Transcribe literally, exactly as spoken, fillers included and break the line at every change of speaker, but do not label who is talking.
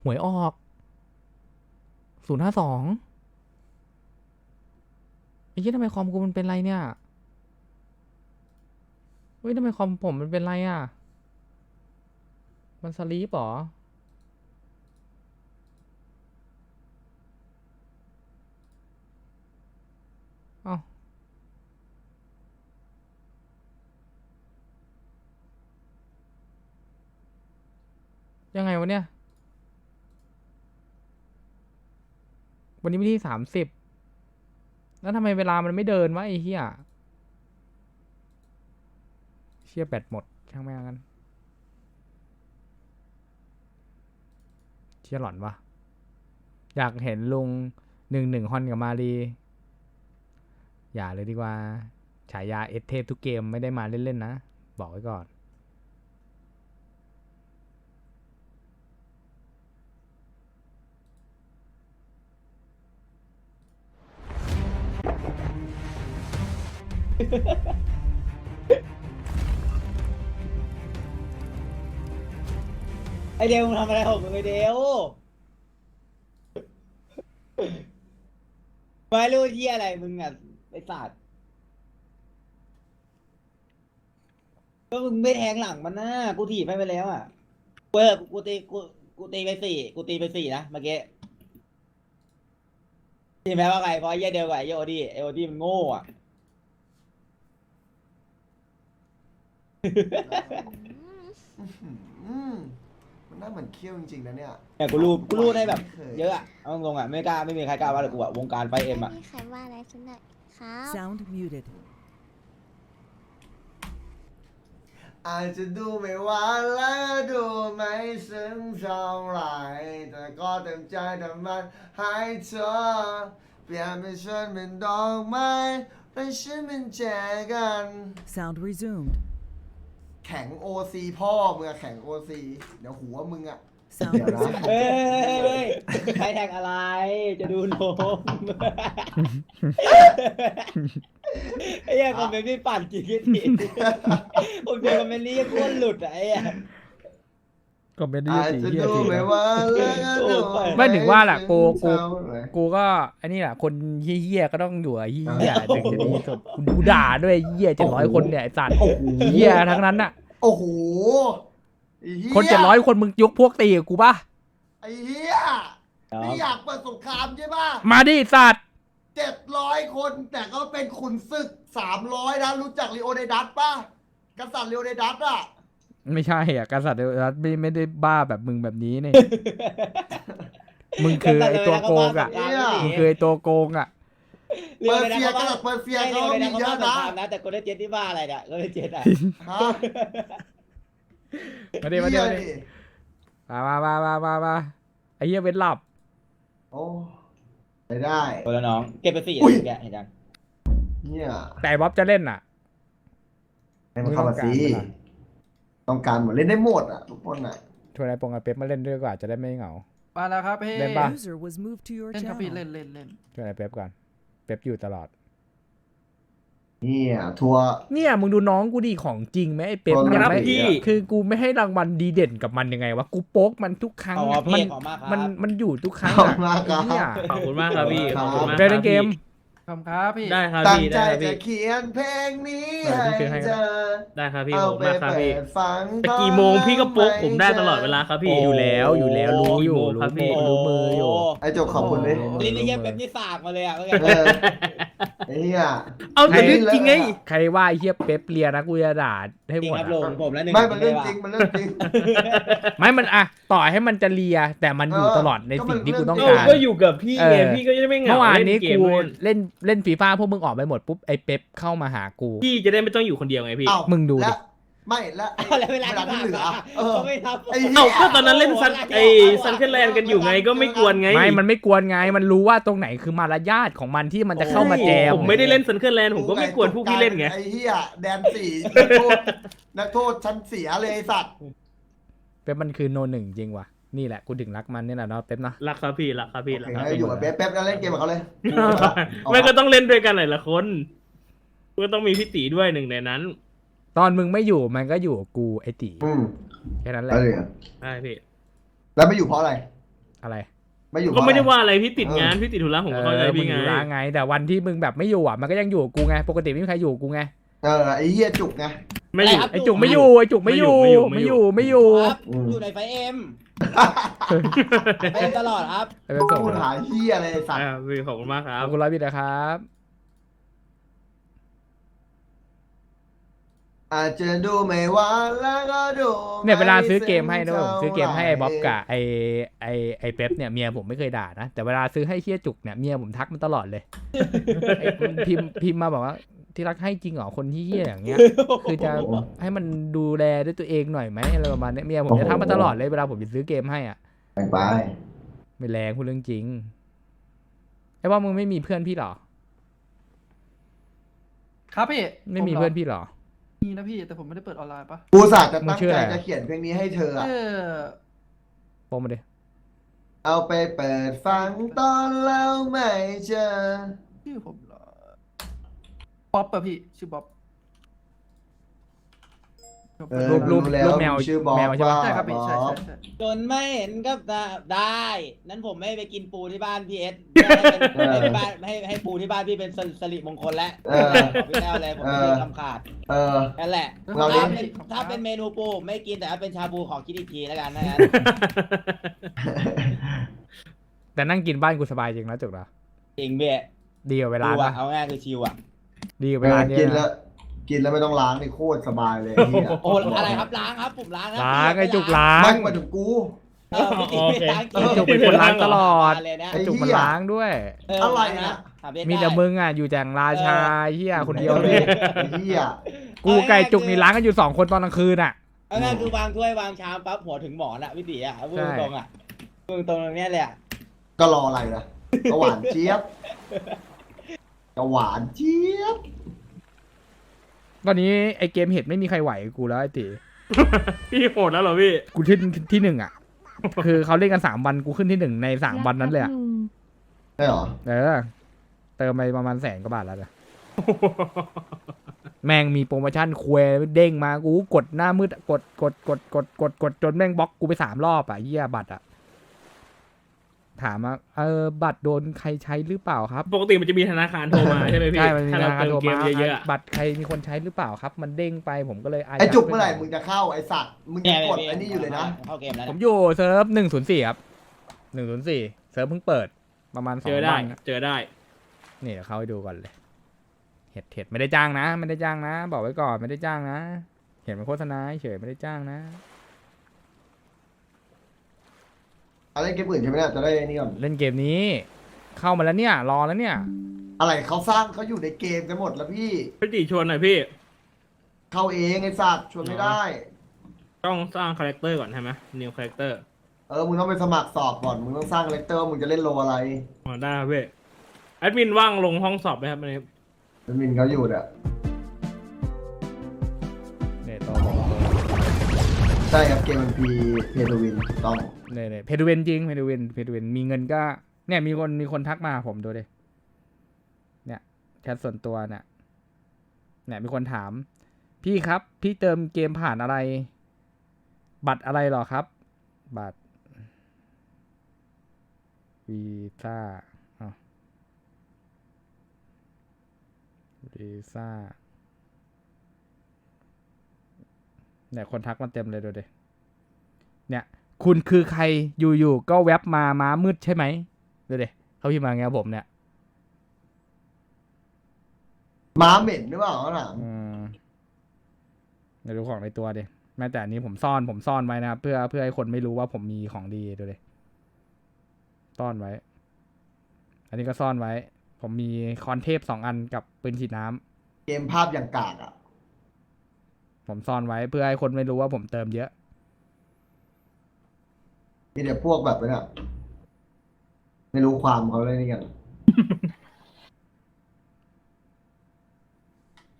หวยออกศูนย์ห้าสองไอ้ยี่ทำไมคอมกูมันเป็นไรเนี่ยเฮ้ยทำไมคอมผมมันเป็นไรอ่ะมันสลีปหรอเอ้ายังไงวะเนี่ยวันนี้วันที่สามสิบแล้วทำไมเวลามันไม่เดินวะไอ้เหี้ยเชี่ยแบตหมดช่างแม่งกันเชี่ยหลอนวะอยากเห็นลุงหนึ่งหนึ่งฮอนกับมารีอย่าเลยดีกว่าฉายาเอสเทพทุกเกมไม่ได้มาเล่นๆนะบอกไว้ก่อน
ไอเดวมึงทำอะไรของมึงไอเดวไม่รู้ที่อะไรมึงอ่ะไอสัตว์ก็มึงไม่แทงหลังมันนะกูถีบให้ไปแล้วอ่ะกูเออกูตีกูกูตีไปสี่กูตีไปสี่นะเมื่อกี้ทีแม้ว่าไงเพราะไอ้เหี้ยเดียวกับไอ้โอดีไอโอดีมันโง่อ่ะ
อืมมันน่าเหมือนเคี้ยวจริงๆนะเนี่ย
แต่กูรู้กูรู้ได้แบบ
ไม่ค
เยอะอ่ะเอาตรงๆอ่ะไม่กล้าไม่มีใครกล้าว่าเลยกูอ่ะวงการไฟเอ็มอ่ะ
ไม่มีใครว่าอะไรฉันเลยครับ
Sound muted.
อาจจะดูไม่หวานและดูไม่ซึ้งเท่าไหร่แต่ก็เต็มใจทำมันให้เธอเปลี่ยนเป็นฉันเป็นดอกไม้และฉันเป็นแจกัน
Sound resumed.
แข็งโอซีพ่อมึงอะแข็งโอซีเดี๋ยวหัวมึงอะ
Sound
เดี๋ยวนะ
resumed.
เฮ้ยใครแทงอะไรจะดูนมไอ้เหี้ยคอมเมนต์ไม่ปั่นจริงจริงผมเจอคอมเมนต์นี้โคตรหลุดอะไอ้เหี้ย
ก็ไม่ได้
อาจ
สี
จะ
เหี้ย
ดู
จริง
ไม่หวานและดู
ไม่ถึงว่าแหละกูกู
เท่าไหร่
กูก็ไอ้นี่แหละคนเหี้ยๆก็ต้องอยู่ไอ้เหี้ยถึงจะดีสุดกูด่าด้วยเหี้ยเจ็ดร้อยคนเนี่ยไอ้สัตว์
โอ้โห
เหี้ยทั้งนั้นน่ะ
โอ้โหไอ้หี้ย
คนเจ็ดร้อยคนมึงยกพวกตีกับกูปะ
ไอ้เหี้ยนี่อยากเปิดสงครามใช่ป่ะ
มาดิสัตว์
เจ็ดร้อยคนแต่ก็เป็นขุนศึกสามร้อยนะรู้จักลีโอเดดัสป่ะกษัตริย์ลีโอเดดัสอ่ะ
ไม่ใช่อ่ะกษัตริย์ไม่ไม่ได้บ้าแบบมึงแบบนี้นี่ มึงคือไอ้ตัวโกงอ่ะมึงคือไอ้ตัวโกงอ่ะ
เปอร์เซียกษัตริย์เปอร์เซียเขามีเยอะนะ
นะแต่คนได้เจ็ดที่บ้าอะไรเนี่ยคนได้เจ็ดอ่ะ
ฮะ
มาดิมาดิ
เหี้ย
มาดิมามามามามามาไอ้เหี้ยเว้นหลับ
โอ้ไม่ได้
คนละน้องเก็บไปสี่
อุ้ย
แกเห็นยัง
เนี่ย
แต่บ๊อบจะเล่นอ่ะ
ให้มันเข้ามาสิ
ไม่ต้องการเวลา
ต้องการหมดเล่นได้หมดอ่ะทุกคนอ่ะ
ชวนไอ้ปงไอ้เป๊ปมาเล่นด้วยดีกว่าจะได้ไม่เหงา
มาแล้วครับพี่
เล่นปะ
User was moved to your
เล่นครับพี่
channel.
เล่นเล่นเล่น
ชวนไอ้เป๊ปก่อนเป๊ปอยู่ตลอด
เนี่ยทัวร์
เนี่ยมึงดูน้องกูดีของจริงไหมไอ้เป๊ป
ครับ
เนี่ยไม่
พี่
คือกูไม่ให้รางวัลดีเด่นกับมันยังไงวะกูโป๊กมันทุกครั้ง
อ๋อ
อะ
พี่
มัน
ขอบมากครับ
มันมันอยู่ทุกครั้ง
ขอบ
อะ
คุณมากครับ
ไอ้เนี่ย
ขอบคุณมากครับพี่
ข
ข
อ
อ
บบ คุ
คุณ ณ
มาก
มาก
ได้เล่นเกม
ขอบคุณครับพี่
ได้ครับ
ตั้ง
พี่
ใจ
ได้ครับ
จะ
พี่
เขียนเพลงนี้
เออพี่ซื้อให้
ให้
ก็
เธ
ได้
อ
ได้ครับพี่
เอา
ขอบ
ไป
คุณมากครับ
เปิ
พี่
ดฟัง
แต่กี่โมงพี่ก็โป๊กผมได้ตลอดเวลาครับพี่
อยู่แล้วอยู่แล้วรู้อยู่
กี่โมง
รู้
ครับพี่
มือรู้มืออยู่
ไอ้โจกขอบคุณดิ
ลิ้นไอ้เหี้ยแบบนี้สากมาเลยอ่ะเมื่อ
เอ
กี้
อไอ้เหี้ย
เอาแต่เรื่องจริงไง
ใครว่าไอ้เฮียเป๊ปเลียนะกูจะด่าให้
จริ
ห
ง
มด
ครับ
อะ
ลงผมแล้วหนึ่ง
ไม่มันเรื่องจริงมันเรื่องจริง
ไม่มันอะต่อให้มันจะเลีย แต่มันอยู่
เออ
ตลอดในสิ่งที่กูต้อง
ก็
การ
ก็อยู่กับพี่
เอ
ไง
อ
พี่ก็จะไม่เหงา
เมื่อวานนี้
เล่เก
กู
มด้วย
เล่นเล่นฟีฟ่าพวกมึงออกไปหมดปุ๊บไอ้เป๊ปเข้ามาหากู
พี่จะได้ไม่ต้องอยู่คนเดียวไงพี่
เอ้า
มึงดูดิ
และไม่และ
เอาแล้วเวลา
ที่เหลือเออ
เขาไม่ทำ
ไอ้เหี้ย
เอ้าก็ตอนนั้นเล่นซันไอ้ซันเคิลแลนด์กันอยู่ไงก็ไม่กวนไง
ไม่มันไม่กวนไง มันรู้ว่าตรงไหนคือมารยาทของมันที่มันจะเข้ามาแจม
ผมไม่ได้เล่นซันเคิลแลนด์ผมก็ไม่กวนพวกพี่เล่นไง
ไอ้เหี้ยแดนสี่นักโทษนักโทษชั้นเสียเลยไอ้สัตว์
เป๊ปมันคือโนหนึ่งจริงว่ะ นี่แหละกูถึงรักมันนี่แหละเนาะเป๊ปเนาะ
รักครับพี่รักครับพี่
โอ
รัก
เค
ครับ
งั้น
พี่
อยู่กับเป๊ปเป๊ปแล้วเล่นเกมกับเขาเลย
ไม่ก็ต้องเล่นด้วยกันหลายๆคนก็ต้องมีพี่ตีด้วยหนึ่งในนั้น
ตอนมึงไม่อยู่มันก็อยู่กับกูไอ้ตี
อืม
แค่นั้นแหละ
แล้วเลย
ใช่พี่
แล้วไม่อยู่เพราะอะไร
อะไร
ไม่อยู่
ก็ไม่ได้
เพระ
ว่าอะไรพี่ติดงาน
เออ
พี่ติดธุระผม
เอ
ก็เข้าใจ
อมึ
พี่
ง
ไง
อยู่ร้านไง แต่วันที่มึงแบบไม่อยู่อ่ะมันก็ยังอยู่กับกูไงปกติไม่มีใครอยู่กับกูไง
เออไอ้เหี้ยจุกไง
ไม่อยู่
ไอจุกไม่อยู่ไอจุกไม่อยู่
ไม่
ไม่
อ
อยู่ ยู่ไม่อยู่
ครับ
อืม
อยู่ในไฟเอ็มไฟเอ็มตลอดครับ
ไปเป็นส่ง
พูดหาเหี้ยอะไรไอ้สัตว์
อ่าพี่ขอบคุณมากครั
ข
บ
อบคุณร้อยบิตนะครับ
อาจจะดูไม่หวานแล้วก็ดู
เนี่ยเวลาซื้อเกมให้นะ
ไ
ผมซื้อเกมให้ไอ้บ๊อบกับ
เ
ไอไอไอเป๊ปเนี่ยเมียผมไม่เคยด่านะแต่เวลาซื้อให้เฮียจุกเนี่ยเมียผมทักมันตลอดเลยไอ้มันพิมพ์พิมพ์มาบอกว่าที่รักให้จริงเหรอคนที่เฮียอย่างเงี้ย คือจะให้มันดูแลด้วยตัวเองหน่อยไหมอะไรประมาณเนี้ยเมียผมจะทักมาตลอดเลยเวลาผมจะซื้อเกมให้อ่ะ
ไปไป
ไม่แรงพูดเรื่องจริงไอ้ว่ามึงไม่มีเพื่อนพี่เหรอ
ครับพี่
ไม่มี
ผหร
เพื่อนพี่เหรอ
มีนะพี่แต่ผมไม่ได้เปิดออนไลน์ปะ
กูสาจะ
มึ
ตั้
ง
ง
ชื่อ
ใจ
อะไร
จะเขียนเพลงนี้ให้เธออะ
เออ
โปรมาดิ
เอาไปเปิดฟังตอนแล้วไม่เจอ
ชื่อผมเหรอป๊อปป่ะพี่ชื่อบ๊อบ
เออ
รูปรูป
รู้แล้ว
รูปแมว
ชื่อบ๊อบ
แมวใช่ปะ
ใช่ครับพี่
บ๊อบ
ใช่ใช่ใช่
จนไม่เห็นกับตาได้ นั้นผมไม่ไปกินปูที่บ้านพี่เอสให้เป็นให้บ้านให้ให้ปูที่บ้านพี่เป็นสิริมงคลแล้ว
เออ
ของพี่แต้วเลยผมไม่ได้คำขาด
เออ
นั่นแหละ
เราเลี้
ถ้าย
ง
เป็นถ้าเป็นเมนูปูไม่กินแต่ถ้าเป็นชาบูขอคิดอีกทีแล้วกันนะฮะ
แต่นั่งกินบ้านกูสบายจริงนะจุกนะ
จริงเบี้ย
ดีกว่าเวลา
ดูอะ
ปะ
เอาง่ายคือชิวอะ
ดีกว่า
เว
เว
ลา
ลาเนี่ย
กินแล้ว กินแล้วไม่ต้องล้างนี่โคตรสบายเลยไอ้เหี้ย
โอ้อะไรครับล้างครับผมล้างครับ
ล้างไอ้จุกล้าง
ไม่มาถึงกู
เออพี่ตีไม่ล้างกิน
ไอ้จุกเป็นคนล้างตลอด
เลยนะ
ไอ้
จุกมันล้างด้วย
เออ
อะไร
ล้าง
น่ะ
ถาเบส
มีแต่
ได้
มึงอ่ะอยู่แจงราชาเฮียคนเดียวเลย
ไอ้เหี้ย
กูไก่จุกนี่ล้างกันอยู่สองคนตอนกลางคืนอ่ะ
เอาง่ายคือวางถ้วยวางชามปั๊บหัวถึงหมอนอะพี่ตีอะพูด
ใช่
ตรงๆอะพูดตรงๆตรงเนี้ยเลยอะ
ก็รออะไรล่ะก็หวานเจี๊ยบก็หวานเจี๊ยบ
ตอนนี้ไอเกมเห็ดไม่มีใครไหวกูแล้วไอติ
พี่โหดแล้วเหรอพี่
กูขึ้นที่หนึ่งอ่ะ คือเขาเล่นกันสามวันกูขึ้นที่หนึ่งในสามวันนั้นเลยอ่ะ
ใช่หรอ
เออเติมไปประมาณแสนกว่าบาทแล้วนะแม่งมีโปรโมชั่นควยเด้งมากูกดหน้ามืดกดกดกดกดกดกดจนแม่งบล็อกกูไปสามรอบอ่ะเหี้ยบัตรอ่ะถามว่าเออบัตรโดนใครใช้หรือเปล่าครับ
ปกติมันจะมีธนาคารโทรมาใช่ไหมพี่
ใช่มันมี
ถ้า
ธ
เรา
นาคาร
เติ
โท
ม
ร
เก
มาม
เยอะๆอะ
บัตรใครมีคนใช้หรือเปล่าครับ มันเด้งไปผมก็เลยอายัด
ไอ้จุกเมื่อไหร่มึงจะเข้าไอ้สัตว์มึงยังกดไอ้นี่อยู่เลยนะ
เข้าเกมแล้ว
ผม
นะ
อยู่เซิร์ฟหนึ่งศูนย์สี่ครับหนึ่งศูนย์สี่เซิร์ฟเพิ่งเปิดประมาณสอ
เจ
ง
อได้
วัน
เจอได้
นี่เดี๋ยวเข้าไปดูก่อนเลย เห็ดเห็ดไม่ได้จ้างนะ ไม่ได้จ้างนะ บอกไว้ก่อนไม่ได้จ้างนะ เห็นเป็นโฆษณาเฉยไม่ได้จ้างนะ
อะไรเกมอื่นใช่ไหมเนี่ยจะได้นี่ก่อน
เล่นเกมนี้ เข้ามาแล้วเนี่ย รอแล้วเนี่ย
อะไรเขาสร้างเขาอยู่ในเกมกันหมดแล้วพี่
พี่ติชวนหน่อยพี่
เข้าเองไอ้สัตว์ชวนไม่ได้
ต้องสร้างคาแรคเตอร์ก่อนใช่ไหม new character
เออมึงต้องไปสมัครสอบก่อนมึงต้องสร้างคาแรคเตอร์ว่ามึงจะเล่นโลอะไร
อ๋อได้ครับพี่แอดมินว่างลงห้องสอบไหมครับวันนี้
มันมินเขาอยู่เนี่ย
เนี่ยต่อบอกตัว
ใช่ครับเกมมันพีเพย์ทวินถูกต้อง
เนี่ยเนี่ยเพดูเวนจริงเพดูเวนเพดูเวนมีเงินก็ เนี่ยมีคนมีคนทักมาผมดูดิเนี่ยแชทส่วนตัวเนี่ยเนี่ยมีคนถาม พี่ครับ พี่เติมเกมผ่านอะไร บัตรอะไรหรอครับ บัตรวีซ่าอ้าววีซ่าเนี่ยคนทักมาเต็มเลยดูดิเนี่ยคุณคือใครอยู่ๆก็แวบมาม้ามืดใช่ไหมดูดิเขาพิมพ์มาไงกับผมเนี่ย
ม้าเหม็นหรือเปล่าเขาถาม
อืมเดี๋ยวดูของในตัวดิแม้แต่อันนี้ผมซ่อนผมซ่อนไว้นะครับเพื่อเพื่อให้คนไม่รู้ว่าผมมีของดีดูดิซ่อนไว้ อันนี้ก็ซ่อนไว้ ผมมีคอนเทปสองอันกับปืนฉีดน้ำ
เกมภาพอย่างกากอ่ะ
ผมซ่อนไว้เพื่อให้คนไม่รู้ว่าผมเติมเยอะ
มีแต่พวกแบบนั้นอะไม่รู้ความเขาเลยนี่กัน